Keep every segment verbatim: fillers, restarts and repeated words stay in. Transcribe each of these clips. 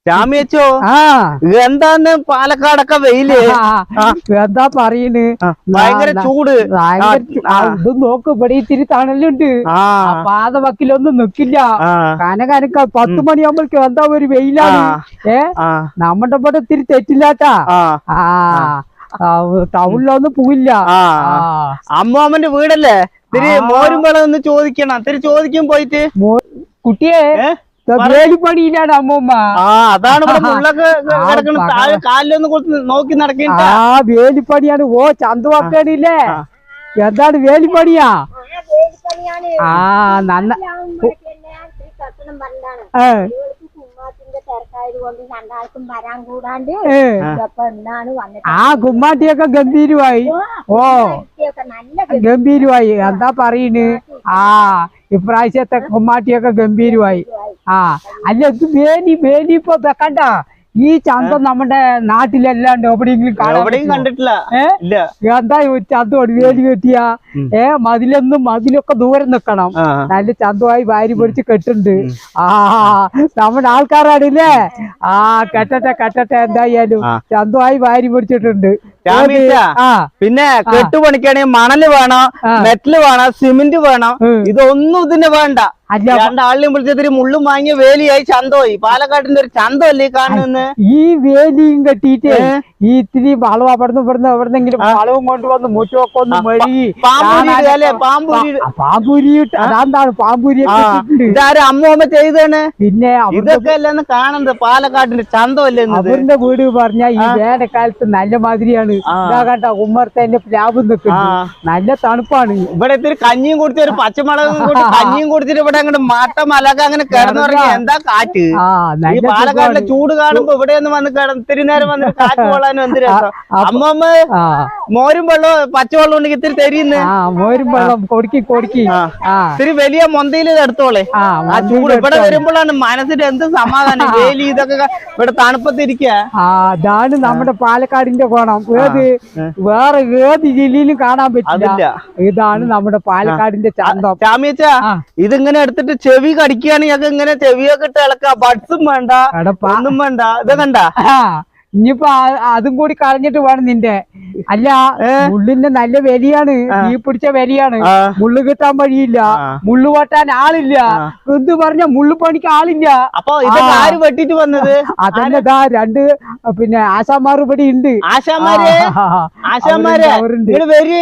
രാമേച്ചോ ആ എന്താന്ന് പാലക്കാടൊക്കെ വെയില് എന്താ പറയണ് ഭയങ്കര ചൂട് ഇത് നോക്ക് ഇവിടെ ഇത്തിരി തണലുണ്ട് പാത വക്കിലൊന്നും നിക്കില്ല കനകനക്ക പത്ത് മണിയാകുമ്പോഴേക്കും എന്താ ഒരു വെയിലാണ് ഏ നമ്മുടെ ഇവിടെ ഇത്തിരി തെറ്റില്ലാട്ടാ ആ ടൗണിലൊന്നും പോവില്ല അമ്മാമ്മന്റെ വീടല്ലേ ഇത്തിരി മോരും വെള്ളം ഒന്ന് ചോദിക്കണം ഇത്തിരി ചോദിക്കും പോയിട്ട് കുട്ടിയെ വേലിപ്പണിയിലാണ് അമ്മൂമ്മ ആ അതാണ് മുള്ളൊക്കെ കിടക്കണം താഴെ കാലിലൊന്ന് കൊടുത്ത് നോക്കി നടക്കേണ്ട ആ വേലിപ്പണിയാണ് ഓ ചന്തവാക്കാണില്ലേ എന്താണ് വേലിപ്പണിയാ ആ നന്ന ആ കുമ്മാട്ടിയൊക്കെ ഗംഭീരമായി ഓ ഗംഭീരമായി എന്താ പറയണ് ആ ഇപ്രാവശ്യത്തെ കുമ്മാട്ടിയൊക്കെ ഗംഭീരമായി ആ അല്ല ഇത് വേലി വേലി ഇപ്പൊ വെക്കണ്ട ഈ ചന്തം നമ്മുടെ നാട്ടിലല്ലാണ്ട് എവിടെയെങ്കിലും കണ്ടിട്ടില്ല എന്താ ചന്തോട് വേലി കെട്ടിയ ഏ മതിലൊന്നും മതിലൊക്കെ ദൂരം നിക്കണം നല്ല ചന്തമായി വാരി പൊടിച്ച് കെട്ടുണ്ട് ആ നമ്മുടെ ആൾക്കാരാണില്ലേ ആ കെട്ടട്ടെ കെട്ടട്ടെ എന്തായാലും ചന്തമായി വാരി പൊടിച്ചിട്ടുണ്ട് പിന്നെ കെട്ടുപണിക്കാണെങ്കിൽ മണല് വേണം മെറ്റല് വേണം സിമെന്റ് വേണം ഇതൊന്നും ഇതിന് വേണ്ട രണ്ടാളിനെയും വിളിച്ചതിരി മുള്ളും വാങ്ങിയ വേലിയായി ചന്തമായി പാലക്കാടിന്റെ ഒരു ചന്തമല്ലേ കാണുന്നത് ഈ വേലിയും കെട്ടിയിട്ട് ഈ ഇത്തിരി വളം അവിടുന്ന് ഇവിടുന്ന് എവിടെന്നെങ്കിലും വളവും കൊണ്ടുവന്ന് മുറ്റമൊക്കെ ഒന്ന് മെഴുകി പാമ്പൂരി അതെന്താണ് പാമ്പൂരി ഇതാരും അമ്മൂമ്മ ചെയ്താണ് പിന്നെ ഇതൊക്കെ അല്ലെന്ന് കാണുന്നത് പാലക്കാടിന്റെ ചന്തമല്ലേ അവരുടെ വീട് പറഞ്ഞാൽ ഈ വേനൽക്കാലത്ത് നല്ല മാതിരിയാണ് ഇതാ കണ്ട ഉമ്മർത്തന്നെ പ്ലാവ് നിൽക്കുന്നത് നല്ല തണുപ്പാണ് ഇവിടെ ഇത്തിരി കഞ്ഞിയും കുടിച്ച് ഒരു പച്ചമുളകും കൂടി കഞ്ഞിയും കുടിച്ചിട്ട് ഇവിടെ അങ്ങോട്ട് മാട്ട മലക അങ്ങനെ കിടന്നു പറഞ്ഞാൽ എന്താ കാറ്റ് ഈ പാലക്കാടിന്റെ ചൂട് കാണുമ്പോ ഇവിടെ ഒന്ന് വന്ന് കിടന്ന് ഇത്തിരി നേരം വന്നിട്ട് കാറ്റ് കൊള്ളാനും എന്ത് രസം അമ്മമ്മ മോരും വെള്ളം പച്ചവെള്ളം ഉണ്ടെങ്കിൽ ഇത്തിരി തരിയുന്നു മോരും വെള്ളം കൊടുക്കി കൊടുക്കി ഇത്തിരി വലിയ മൊന്തയിൽ എടുത്തോളെ ആ ചൂട് ഇവിടെ വരുമ്പോഴാണ് മനസ്സിന് എന്ത് സമാധാനം വേലി ഇതൊക്കെ ഇവിടെ തണുപ്പത്തിരിക്കുക അതാണ് നമ്മുടെ പാലക്കാടിന്റെ കോണം ഏത് വേറെ ഏത് ജില്ലയിലും കാണാൻ പറ്റില്ല ഇതാണ് നമ്മുടെ പാലക്കാടിന്റെ ചന്തം ചാമിയച്ച ഇതിങ്ങനെ എടുത്തിട്ട് ചെവി കടിക്കുകയാണെങ്കിൽ ഇങ്ങനെ ചെവിയൊക്കെ ഇട്ട് ഇളക്കുക ബഡ്സും വേണ്ട ഒന്നും വേണ്ട ഇത് കണ്ട ഇനിയിപ്പോ അതും കൂടി കളഞ്ഞിട്ട് വേണം നിന്റെ അല്ല മുള്ളിന്റെ നല്ല വിലയാണ് തീ പിടിച്ച വിലയാണ് മുള്ളു കിട്ടാൻ വഴിയില്ല മുള്ളു വെട്ടാൻ ആളില്ല എന്ത് പറഞ്ഞ മുള്ളു പണിക്ക് ആളില്ല അപ്പൊ ഇത് ആര് വെട്ടിട്ട് വന്നത് അതന്നെ ദാ രണ്ട് പിന്നെ ആശാമാർ ഇവിടെ ഉണ്ട് ആശാമാര് ആശാമാര് വരി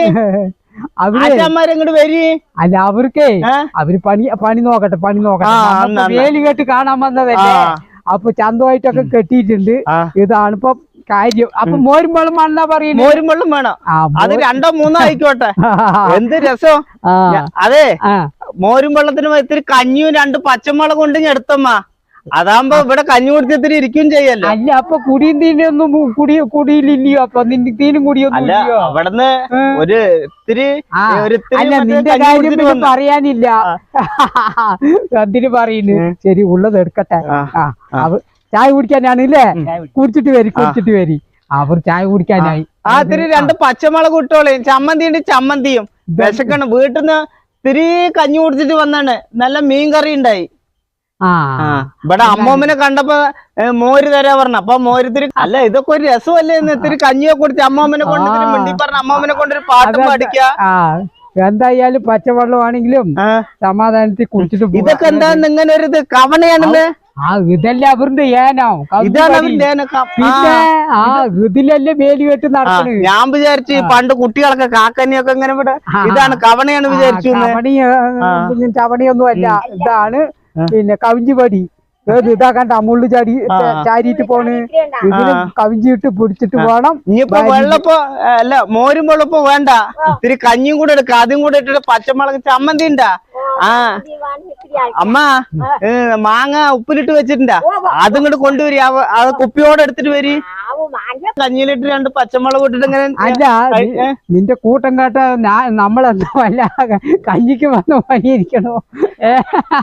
അല്ല അവർക്കേ അവര് പണി പണി നോക്കട്ടെ പണി നോക്കട്ടെ വേലി കെട്ട് കാണാൻ വന്നതല്ലേ അപ്പൊ ചന്തമായിട്ടൊക്കെ കെട്ടിയിട്ടുണ്ട് ഇതാണ് ഇപ്പൊ കാര്യം അപ്പൊ മോരും വെള്ളം വേണമെന്നാ പറയുന്നത് മോരും വെള്ളം വേണം അത് രണ്ടോ മൂന്നോ ആയിക്കോട്ടെ എന്ത് രസം അതെ മോരും വെള്ളത്തിന് ഇത്തിരി കഞ്ഞിയും രണ്ട് പച്ചമുളക് ഉണ്ടെങ്കിൽ എടുത്തമ്മ അതാകുമ്പോ ഇവിടെ കഞ്ഞി കുടിച്ചിത്തിരി ഇരിക്കും ചെയ്യല്ലോ അല്ല അപ്പൊ കുടിയും തീനൊന്നും കുടി കുടിയില്ലയോ അപ്പൊ നിന്റെ തീനും കുടിയൊന്നും അവിടുന്ന് ഒരു ഇത്തിരി അല്ല നിന്റെ കാര്യം പറയാനില്ല എന്തിനു പറയുന്നു ശരി ഉള്ളത് എടുക്കട്ടെ ചായ കുടിക്കാനാണ് ഇല്ലേ കുടിച്ചിട്ട് വരി കുടിച്ചിട്ട് വരി അവർ ചായ കുടിക്കാനായി ആ ഇത്തിരി രണ്ട് പച്ചമുളക് ഇട്ടോളേ ചമ്മന്തി ഉണ്ട് ചമ്മന്തിയും വിശക്കണം വീട്ടിൽ നിന്ന് ഇത്തിരി കഞ്ഞി കുടിച്ചിട്ട് വന്നാണ് നല്ല മീൻ കറി ഉണ്ടായി ഇവിടെ അമ്മൂമ്മനെ കണ്ടപ്പോ മോര് തരാ പറഞ്ഞ അപ്പൊ മോരുത്തിരി അല്ല ഇതൊക്കെ ഒരു രസമല്ലേ എന്ന് ഇത്തിരി കഞ്ഞിയൊക്കെ കുടിച്ച് അമ്മൂമ്മനെ കൊണ്ട് മിണ്ടി പറഞ്ഞ അമ്മൂമ്മനെ കൊണ്ടൊരു പാട്ട് പാടിക്ക എന്തായാലും പച്ചവെള്ളമാണെങ്കിലും സമാധാനത്തിൽ കുടിച്ചിട്ട് ഇതൊക്കെ എന്താ ഇങ്ങനെ ഒരു ഇത് കവണയാണല്ലേ ആ ഇതല്ലേ അവരുടെ ഏനോ പിന്നെ ആ ഇതിലല്ലേ വേലി കെട്ട് നടക്കുന്നത് ഞാൻ വിചാരിച്ചു പണ്ട് കുട്ടികളൊക്കെ കാക്കനിയൊക്കെ ഇങ്ങനെ ഇവിടെ ഇതാണ് കവണയാണ് വിചാരിച്ചു കവണി ചവണിയൊന്നും അല്ല ഇതാണ് പിന്നെ കവിഞ്ചിപടി ഏത് ഇതാ കണ്ട മുള്ളു ചാടി ചാരിയിട്ട് പോണ് ഇതിന് കവിഞ്ചിട്ട് പിടിച്ചിട്ട് പോണം ഇനിയിപ്പോ വെള്ളപ്പോ അല്ല മോരും വെള്ളപ്പോ വേണ്ട ഇത്തിരി കഞ്ഞിയും കൂടെ എടുക്ക അതും കൂടെ ഇട്ടിട്ട് പച്ചമുളക് ചമ്മന്തി ഉണ്ടാ ആ അമ്മ മാങ്ങ ഉപ്പിലിട്ട് വെച്ചിട്ടുണ്ടാ അതും കൂടെ കൊണ്ടുവരി അത് കുപ്പിയോടെ എടുത്തിട്ട് വരി കഞ്ഞിയിലിട്ട് രണ്ട് പച്ചമുളക് ഇട്ടിട്ട് ഇങ്ങനെ അല്ല നിന്റെ കൂട്ടം കേട്ട നമ്മളെന്താ വല്ല കഞ്ഞിക്ക് വന്ന പണിയിരിക്കണോ ഏ